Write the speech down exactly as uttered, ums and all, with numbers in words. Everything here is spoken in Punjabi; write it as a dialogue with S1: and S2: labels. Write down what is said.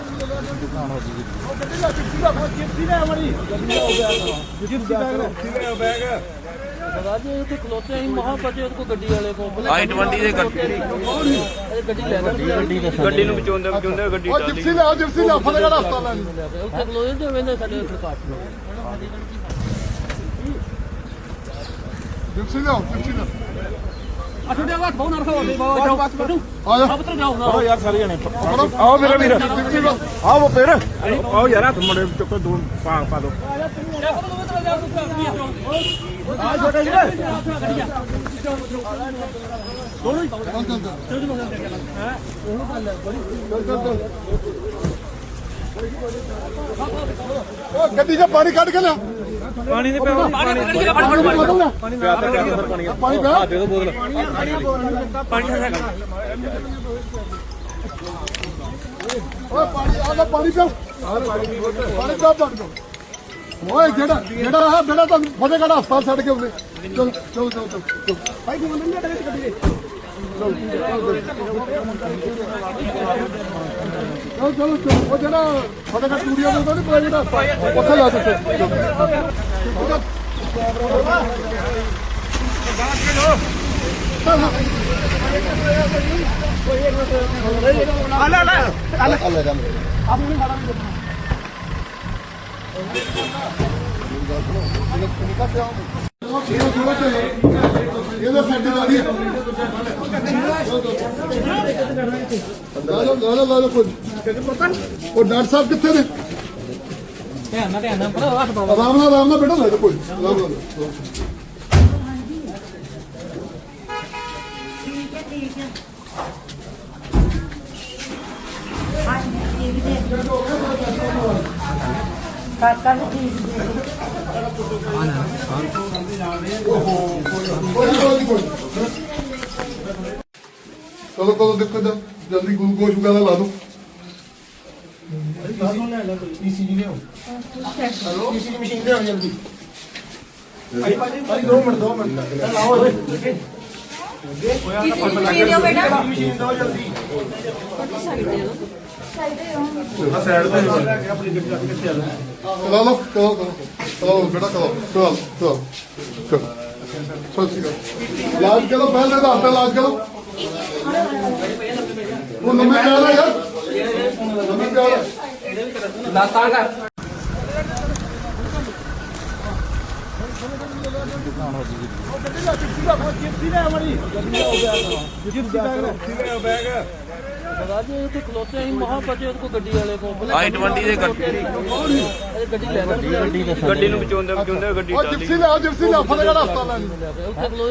S1: खलोते महा बचे गड्डी वाले को
S2: आई ट्वेंटी दे
S1: गड्डी ले
S2: गड्डी ਨੂੰ ਬਚਾਉਂਦੇ ਬਚਾਉਂਦੇ ਗੱਡੀ
S3: ਉਹ ਜਿਪਸੀ ਲਿਆਓ ਜਿਪਸੀ ਲਿਆਓ ਫਤਿਹਗੜ੍ਹ ਹਸਪਤਾਲ ਲੈ
S1: ਉੱਥੇ ਖਲੋਤੇ ਤੇ ਵੇਂਦੇ ਸਾਡੇ ਸਰਕਾਰ
S3: ਜਿਪਸੀ ਲਿਆਓ ਜਿਪਸੀ ਲਿਆਓ
S1: ਅਛੋਟੇ ਬਾਤ ਬਹੁਤ ਨਰਖਾ ਹੋਵੇ ਬਾਬਾ ਜਾਓ ਬਸ ਬੈਠੋ
S3: ਆ ਜਾ
S1: ਸਭ ਤੋਂ ਜਾਓ ਨਾ
S2: ਆਓ ਯਾਰ ਸਾਰੇ ਜਣੇ ਆਓ ਮੇਰਾ ਵੀਰ ਆਓ ਫਿਰ ਆਓ ਯਾਰ ਹੱਥ ਮੁੰਡੇ ਚੁੱਕੋ ਦੋ ਪਾ ਪਾ ਦੋ ਆ ਛੋਟੇ ਵੀਰ
S1: ਦੋਨੋਂ ਹੀ
S3: ਚੱਲ ਚੱਲ ਚੱਲ
S1: ਹੈ ਉਹਨੂੰ ਗੱਲ ਹੈ ਬੜੀ
S3: ਚੱਲ ਚੱਲ ਚੱਲ ਉਹ ਗੱਡੀ 'ਚ ਪਾਣੀ ਕੱਢ ਕੇ ਲਿਆ
S2: ਪਾਣੀ ਦੇ ਪਿਆ
S1: ਪਾਣੀ ਕੱਢ ਕੇ ਫੜ ਫੜ
S3: ਪਾਣੀ
S2: ਪਿਆ ਤੇ ਪਿਆ ਪਾਣੀ
S3: ਪਾਣੀ ਪਿਆ
S2: ਦੇ ਦੋ ਬੋਤਲ ਪਾਣੀ
S3: ਓਏ ਪਾਣੀ ਆ ਲੈ ਪਾਣੀ ਪਿਆ ਪਾਣੀ ਪਿਆ ਪੜ ਦੋ ਓਏ ਜਿਹੜਾ ਜਿਹੜਾ ਆ ਜਿਹੜਾ ਤੁਹਾਨੂੰ ਫਤਿਹਗੜ੍ਹ ਹਸਪਤਾਲ ਛੱਡ ਕੇ ਆਉਂਦੇ ਚਲ ਚਲ ਚਲ ਚਲ ਭਾਈ ਤੂੰ ਮੰਨ ਲਿਆ ਗੱਡੀ ਦੇ ਚਲ ਚਲ ਚਲ ਉਹ ਜਿਹੜਾ ਫਤਿਹਗੜ੍ਹ ਸਟੂਡੀਓ ਦੇ ਉਹਦੇ ਪ੍ਰਾਈਵੇਟ ਹਸਪਤਾਲ ਉੱਥੇ ਲਾ ਦਿੱਤੇ ਇਹਦਾ ਸੈੱਟ ਲਾ ਦੀ ਲਾ ਲਓ ਲਾ ਲਓ ਲਾ ਲਓ ਕੋਈ ਉਹ ਡਾਕਟਰ ਸਾਹਿਬ ਕਿੱਥੇ ਨੇ
S1: ਧਿਆਨ ਨਾਲ ਧਿਆਨ ਨਾਲ ਪਰ ਹੱਥ ਪਾਓ
S3: ਆਰਾਮ ਨਾਲ ਆਰਾਮ ਨਾਲ ਬੈਠੋ ਲੈ ਜਾਓ ਕੋਈ ਆਰਾਮ ਨਾਲ
S4: ਠੀਕ ਹੈ ਠੀਕ ਹੈ ਹਾਂ ਠੀਕ ਹੈ ਕਾਕਾ ਵੀ ਠੀਕ ਹੈ
S3: ਚਲੋ ਚਲੋ ਦੇਖੋ ਜਲਦੀ ਗਲੂਕੋਜ਼ ਵਗੈਰਾ ਲਾ ਦੋ
S5: ਈਸੀਜੀ ਲਿਆਓ ਹੈਲੋ ਈਸੀਜੀ ਮਸ਼ੀਨ ਲਿਆਓ ਜਲਦੀ ਭਾਈ ਭਾਈ ਦੋ ਮਿੰਟ ਦੋ ਮਿੰਟ ਲਾਓ ਓਏ
S4: ਮਸ਼ੀਨ ਦਿਓ ਬੇਟਾ
S5: ਮਸ਼ੀਨ ਦੋ ਜਲਦੀ
S3: ਆ ਸਾਈਡ ਤੇ ਆਪਣੀ ਗੱਡੀ ਕਿੱਥੇ ਆ ਲਾ ਲਓ ਚਲੋ ਚਲੋ ਚਲੋ ਬੇਟਾ ਚਲੋ ਚਲੋ ਚਲੋ ਚਲੋ ਸੋਚੀ ਕਰੋ ਇਲਾਜ ਕਰੋ ਪਹਿਲੇ ਦਾ ਹੱਥ ਇਲਾਜ ਕਰੋ ਉਹ ਨੰਬਰ ਕਿਆ ਯਾਰ ਨੰਬਰ ਕਿਆ
S1: ਲਾਤਾ ਕਰ ਉੱਥੇ ਖਲੋਤੇ ਮਹਾ ਬਚੇ ਗड्डी वाले को
S2: आई ट्वेंटी दे
S1: गड्डी ले
S2: ਗੱਡੀ ਨੂੰ ਬਚਾਉਂਦੇ ਬਚਾਉਂਦੇ ਗੱਡੀ
S3: ਉਹ ਜਿਪਸੀ ਲਿਆਓ ਜਿਪਸੀ ਲਿਆਓ ਫਤਿਹਗੜ੍ਹ ਹਸਪਤਾਲ ਲੈ
S1: ਉੱਥੇ